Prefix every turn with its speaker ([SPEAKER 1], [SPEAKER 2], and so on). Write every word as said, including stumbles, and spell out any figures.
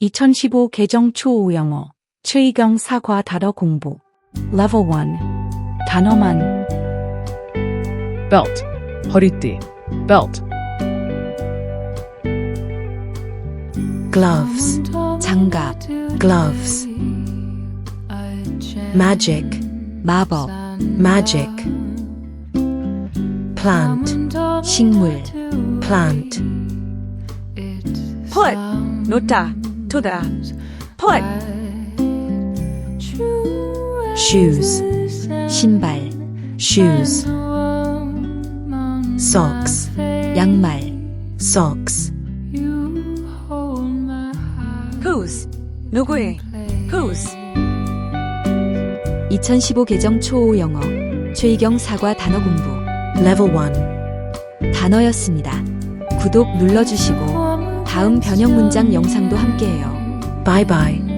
[SPEAKER 1] 이천십오 개정 초우 영어 최희경 사과 단어 공부 Level 일 단어만
[SPEAKER 2] belt, 허리띠, belt,
[SPEAKER 3] gloves,
[SPEAKER 1] 장갑
[SPEAKER 3] gloves, magic,
[SPEAKER 1] 마법
[SPEAKER 3] magic, plant,
[SPEAKER 1] 식물
[SPEAKER 3] plant,
[SPEAKER 4] put, 놓다, 두다, put,
[SPEAKER 3] shoes,
[SPEAKER 1] 신발
[SPEAKER 3] shoes, socks,
[SPEAKER 1] 양말
[SPEAKER 3] socks,
[SPEAKER 4] whose, 누구의, whose,
[SPEAKER 1] 이천십오 개정 초우 영어 최희경 사과 단어 공부
[SPEAKER 3] level one.
[SPEAKER 1] 단어였습니다. 구독 눌러주시고 다음 변형 문장 영상도 함께해요.
[SPEAKER 3] Bye bye.